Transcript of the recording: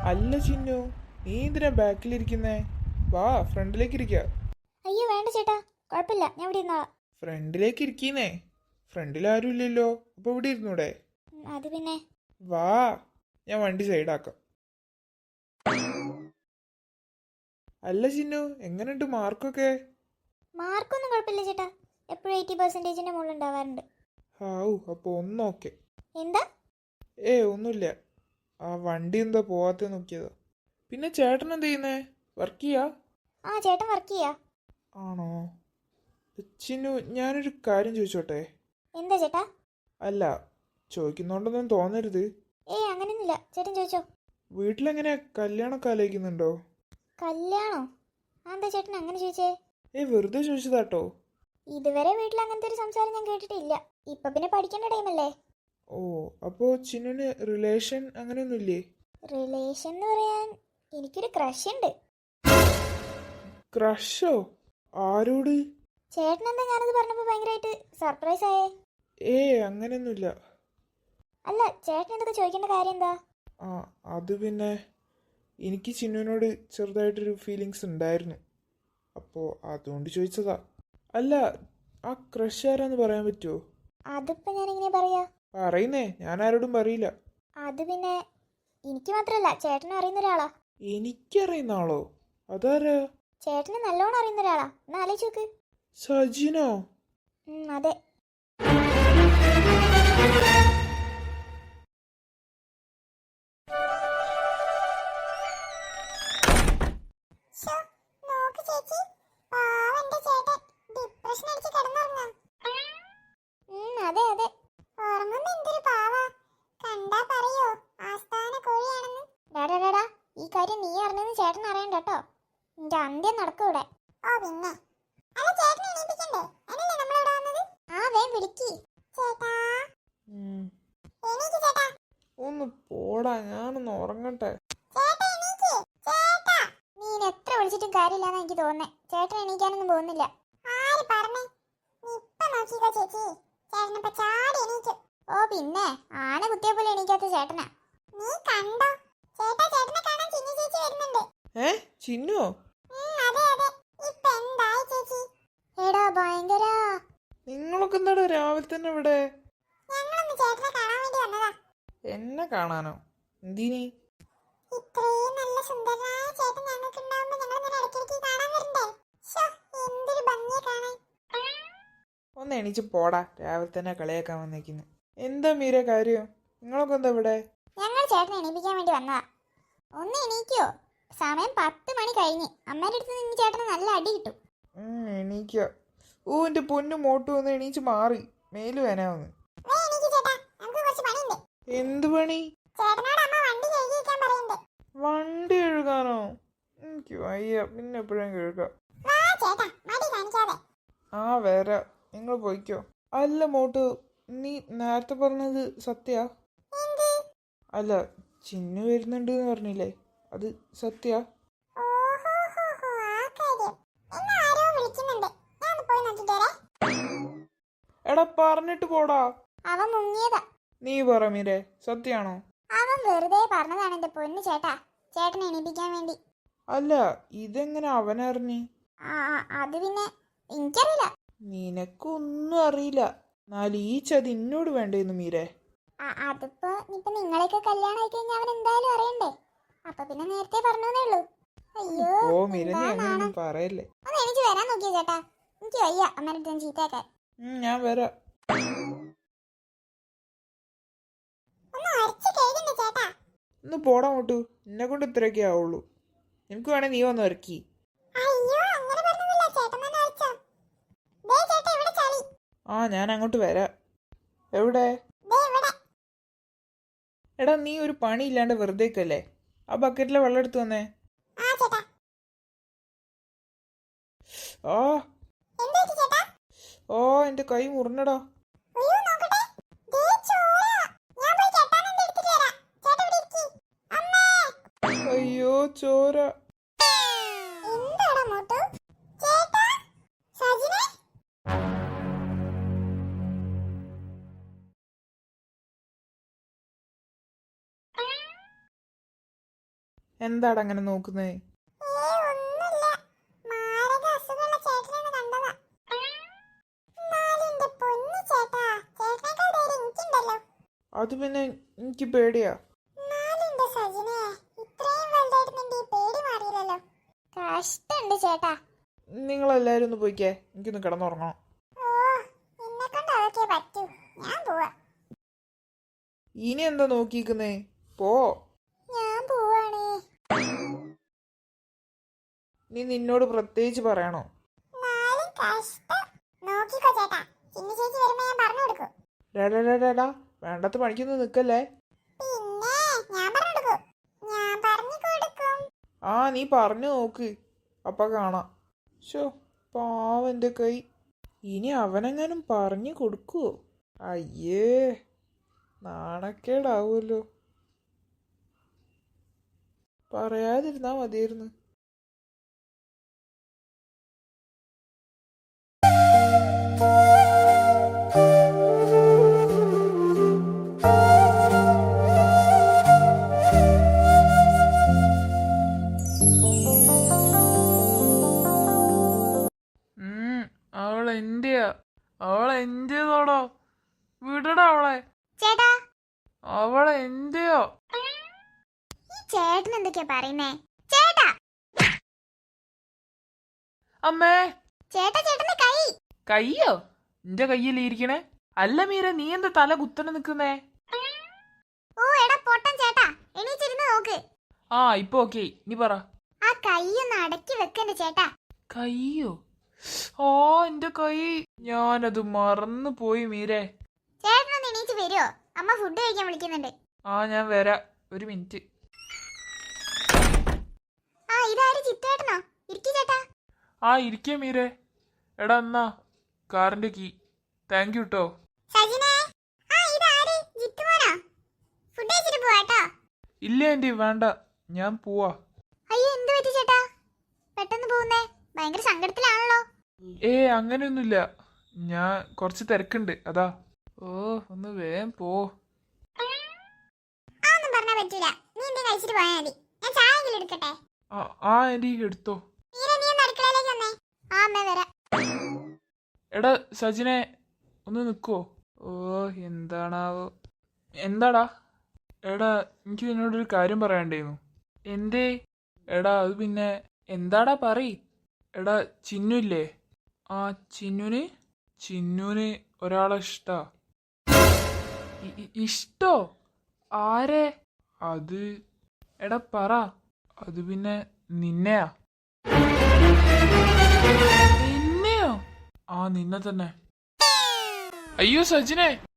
അല്ല ചിന്നു, നീ എന്തിനാ ബാക്കിലിരിക്കുന്നേ? വാ, ഫ്രണ്ടിലേക്ക് ഇരിക്ക. അയ്യോ വേണ്ട ചേട്ടാ, കുഴപ്പമില്ല, ഞാൻ ഇവിടെ ഇരുന്നോളാം. ഫ്രണ്ടിലേക്ക് ഇരിക്കുന്നേ. ഫ്രണ്ടിൽ ആരും ഇല്ലല്ലോ, അപ്പൊ ഇവിടെ ഇരുന്നൂടെ? അത് പിന്നെ വാ, ഞാൻ വണ്ടി സൈഡാക്കാം. അല്ല ചിന്നു, എങ്ങനെയുണ്ട് മാർക്കൊക്കെ? മാർക്കൊന്നും കുഴപ്പമില്ല ചേട്ടാ, എപ്പോഴും 80% മുകളിൽ ഉണ്ടാവാറുണ്ട്. ഹാവു, അപ്പൊ ഒന്നോക്കെ. എന്താ? ഒന്നുമില്ല. ആ വണ്ടി എന്താ പോവാത്ത നോക്കിയതാ. പിന്നെ ചേട്ടൻ എന്ത് ചെയ്യുന്നേ? വർക്ക് ചെയ്യാ? ആ ചേട്ടൻ വർക്ക് ചെയ്യാ. ആണോ? ചിന്നു, ഞാനൊരു കാര്യം ചോദിച്ചോട്ടെ? എന്താ ചേട്ടാ? അല്ല, ചോദിക്കുന്നോണ്ടൊന്നും തോന്നരുത്. അങ്ങനെയൊന്നുമില്ല, ചേട്ടൻ ചോദിച്ചോ. വീട്ടിലെങ്ങനെ കല്യാണമൊക്കെ ആലോചിക്കുന്നുണ്ടോ? കല്യാണോ? എന്താ ചേട്ടൻ അങ്ങനെ ചോദിച്ചേ? വെറുതെ ചോദിച്ചതാട്ടോ. ഇതുവരെ വീട്ടിൽ അങ്ങനത്തെ ഒരു സംസാരം ഞാൻ കേട്ടിട്ടില്ല. ഇപ്പൊ പിന്നെ പഠിക്കേണ്ട ടൈമല്ലേ. ഓ, അപ്പോ ചിന്നുന് റിലേഷൻ അങ്ങനെയൊന്നുമില്ലേ? റിലേഷൻ എന്ന് പറയാൻ എനിക്കൊരു ക്രഷ് ഉണ്ട്. ക്രഷോ? ആരോട്? ചേട്ടൻ എന്താ ഞാനത് പറഞ്ഞപ്പോ ഭയങ്കരമായിട്ട് സർപ്രൈസ് ആയേ? അങ്ങനെയൊന്നുമില്ല. അല്ല, ചേട്ടൻ എന്തൊക്കെ ചോദിക്കേണ്ട കാര്യം എന്താ? ആ, അത് പിന്നെ എനിക്ക് ചിന്നുവിനോട് ചെറുതായിട്ടൊരു ഫീലിങ്സ് ഉണ്ടായിരുന്നു. അപ്പോൾ അതുകൊണ്ട് ചോദിച്ചതാ. അല്ല, ആ ക്രഷ് ആരാന്ന് പറയാൻ പറ്റുമോ? അതിപ്പോ ഞാൻ എങ്ങനെ പറയാ? പറയുന്നേ, ഞാൻ ആരോടും പറയില്ല. അത് പിന്നെ എനിക്ക് മാത്രല്ല, ചേട്ടനും അറിയുന്ന ഒരാളാ. എനിക്കറിയുന്ന ആളോ? അതാരാ? ചേട്ടന് നല്ലോണം അറിയുന്ന ഒരാളാ. ഒന്ന് ആലോചിച്ച് നോക്ക്. സജിനോ? അതെ. അതെ അതെ. ഡാടാ, ഈ കാര്യം നീ അറിഞ്ഞെന്ന് ചേട്ടൻ അറിയണ്ട കേട്ടോ. നിന്റെ അന്ത്യം നടക്കൂടെ. ആ വേം വിളിക്ക്. ഒന്ന് പോടാ, ഞാനൊന്ന് ഉറങ്ങട്ടെ. നീ എത്ര വിളിച്ചിട്ടും കാര്യമില്ലാന്ന് എനിക്ക് തോന്നുന്നേ. ചേട്ടൻ എണീക്കാനൊന്നും പോകുന്നില്ല. ഓ പിന്നെ ആന കുത്തിയ പോലെ എണീക്കാത്ത ചേട്ടനാ. ചിന്നുവോ? എടാ ഭയങ്കര. നിങ്ങളൊക്കെ എന്താടാ രാവിലെ തന്നെ ഇവിടെ? എന്നെ കാണാനോ? എന്തിനി? ഒന്ന് എണീച്ച് പോടാ, രാവിലെ തന്നെ കളിയാക്കാൻ വന്നേക്കുന്നു. എന്താ മീര കാര്യം? നിങ്ങളൊക്കെ എന്താ ഇവിടെ? ഞങ്ങൾ ചേട്ടനെ എണീപ്പിക്കാൻ വേണ്ടി വന്നതാ. ഒന്ന് എണീക്കോ? സമയം 10 മണി കഴിഞ്ഞ്. അമ്മേന്റെ അടുത്ത് നിന്ന് ചേട്ടന് നല്ല അടി കിട്ടും. എണീക്ക. എന്റെ പൊന്നു മോട്ടു വന്ന് എണീച്ച് മാറി. മേല് വേനാവുന്നു. എന്ത് പണി? വണ്ടി കഴുകാനോ? എനിക്ക് വയ്യ, പിന്നെ എപ്പോഴും കഴുകാം. ആ വരാ, നിങ്ങൾ പോയിക്കോ. അല്ല മോട്ടു, നീ നേരത്തെ പറഞ്ഞത് സത്യാ? അല്ല, ചിന്നു വരുന്നുണ്ട് എന്ന് പറഞ്ഞില്ലേ, അത് സത്യാ? എടാ പറഞ്ഞിട്ട് പോടാ. അവൻ മുങ്ങിയതാ. നീ പറ മീരെ, സത്യാണോ? അവൻ വെറുതെ പറഞ്ഞതാണ് എന്റെ പൊന്നു ചേട്ടാ, ചേട്ടനെ എണീപ്പിക്കാൻ വേണ്ടി. അല്ല, ഇതെങ്ങനെ അവനറിഞ്ഞ്? അത് പിന്നെ എനിക്കറിയില്ല. നിനക്കൊന്നും അറിയില്ല. എന്നാലും ഈ ചതി എന്നോട് വേണ്ടേന്ന് മീരെ. അതിപ്പോ ഇപ്പൊ നിങ്ങളെയൊക്കെ കല്യാണം ആയി കഴിഞ്ഞാൽ അവൻ എന്തായാലും അറിയണ്ടേ. അപ്പൊ പിന്നെ നേരത്തെ പറഞ്ഞേ ഉള്ളൂ. അയ്യോ, ഓ മീര, നീ അങ്ങനെയൊന്നും പറയല്ലേ. ഒന്ന് എനിക്ക് വരാൻ നോക്കിയ ചേട്ടാ, എനിക്ക് വയ്യ അമ്മേനെ ചീത്തയാക്കാൻ. ഞാൻ വരാം. ഒന്ന് പോടാ മോട്ടു, എന്നെ കൊണ്ട് ഇത്രയൊക്കെ ആവുള്ളൂ. എനിക്ക് വേണേ നീ വന്ന് ഇറക്കി. ഞാൻ അങ്ങോട്ട് വരാം. എവിടെ? എടാ, നീ ഒരു പണി ഇല്ലാണ്ട് വെറുതേക്കല്ലേ? ആ ബക്കറ്റിലെ വെള്ളം എടുത്തു വന്നേ. എന്റെ കൈ മുറിഞ്ഞടാ. അയ്യോ ചോര. എന്താടാ അങ്ങനെ നോക്കുന്നേ? ഒന്നുമില്ല. മാരക അസുഖമുള്ള ചേട്ടനെ കണ്ടതാ. എന്നാലും എന്റെ പൊന്നു ചേട്ടാ, ചേട്ടനേക്കാൾ ധൈര്യം എനിക്കുണ്ടല്ലോ. അത് പിന്നെ എനിക്ക് പേടിയാ. എന്നാലും എന്റെ സജിനെ, ഇത്രയും വലുതായിട്ട് നിന്റെ ഈ പേടി മാറിയില്ലല്ലോ. കഷ്ടമുണ്ട് ചേട്ടാ. നിങ്ങളെല്ലാരും ഒന്ന് പോയിക്കേ, എനിക്കൊന്ന് കിടന്നുറങ്ങണം. ഓ, എന്നെക്കൊണ്ട് അതൊക്കെ പറ്റൂ. ഞാൻ പോവാ. ഇനി എന്താ നോക്കിക്കുന്നേ? പോ. ഞാൻ പോവാണേ. നീ നിന്നോട് പ്രത്യേകിച്ച് പറയണോ? എന്നാലും കഷ്ടം. നോക്കിക്കോ ചേട്ടാ, ചിന്നു ചേച്ചി വരുമ്പോ ഞാൻ പറഞ്ഞു കൊടുക്കും. ഡാ വേണ്ടാത്ത പണിക്കൊന്നും നിക്കല്ലേ. പിന്നെ ഞാൻ പറഞ്ഞു കൊടുക്കും. ഞാൻ പറഞ്ഞു കൊടുക്കും. ആ നീ പറഞ്ഞു നോക്ക്, അപ്പ കാണാം. ഷോ, പാവന്റെ കൈ. ഇനി അവനെങ്ങാനും പറഞ്ഞു കൊടുക്കുവോ? അയ്യേ, നാണക്കേടാവുമല്ലോ. പറയാതിരുന്നാ മതിയായിരുന്നു. അവളെന്റെയാ, അവളെന്റേതോടോ. വിടടാ അവളെ. ചേട്ടാ, അവളെന്റെയോ. ഈ ചേട്ടൻ എന്തൊക്കെയാ പറയുന്നേ? ചേട്ടാ, അമ്മേ. ചേട്ടാ, ചേട്ടന്റെ കൈ. കയ്യോ? എന്റെ കയ്യിൽ ഇരിക്കണേ. അല്ല മീര, നീ എന്താ തല കുത്തനെ നിക്കുന്നേ? ഓ എടാ പൊട്ടൻ ചേട്ടാ, എണീച്ചിരുന്ന് നോക്ക്. ആ ഇപ്പൊ ഓക്കെ, നീ പറ. ആ കൈയൊന്ന് അടക്കി വെക്കണ്ട ചേട്ടാ. കയ്യോ? ഓ എന്റെ കൈ, ഞാനത് മറന്നു പോയി മീരേ. ചേട്ടനൊന്ന് എണീച്ച് വരുമോ? അമ്മ ഫുഡ് കഴിക്കാൻ വിളിക്കുന്നുണ്ട്. ആ ഞാൻ വരാം, ഒരു മിനിറ്റ്. ആ ഇതാര്, ചിത്തേട്ടനോ? ഇരിക്കു ചേട്ടാ. ആ ഇരിക്കേ മീരേ. എടാ എന്നാ കാറിന്റെ കീ. താങ്ക് യു ട്ടോ. സജിനേ, ആ ഇതാര്, ജിത്തുമോനോ? ഫുഡ് കഴിച്ചിട്ട് പോവാട്ടോ. ഇല്ല ആന്റി, വേണ്ട, ഞാൻ പോവാ. അയ്യോ, എന്ത് പറ്റി ചേട്ടാ പെട്ടെന്ന് പോകുന്നേ? ഭയങ്കര സങ്കടത്തിലാണല്ലോ. അങ്ങനെയൊന്നുമില്ല, ഞാൻ കുറച്ച് തിരക്കുണ്ട് അതാ. ഓ ഒന്ന് വേഗം പോ. ഒന്നും പറഞ്ഞാ പറ്റൂല. നീ എന്തെങ്കിലും കഴിച്ചിട്ട് പോയാൽ മതി. ഞാൻ ചായ എങ്കിലും എടുക്കട്ടെ? ആ ആന്റി എടുത്തോ. നീ ഒന്ന് അടുക്കളയിലേക്ക് വന്നേ. ആ അമ്മേ വരാം. എടാ സജിനെ, ഒന്ന് നിൽക്കുവോ? ഓ എന്താണാവോ. എന്താടാ? എടാ എനിക്ക് നിന്നോടൊരു കാര്യം പറയാണ്ടായിരുന്നു. എന്തേ? എടാ അത് പിന്നെ എന്താടാ പറയ്. എടാ ചിന്നു ഇല്ലേ? ആ ചിന്നുന് ഒരാളെ ഇഷ്ടാ. ഇഷ്ടോ? ആരെ? അത് എടാ പറ. അത് പിന്നെ നിന്നെയാ. നിന്നെയോ? ആ നിന്നെ തന്നെ. അയ്യോ സജിനെ,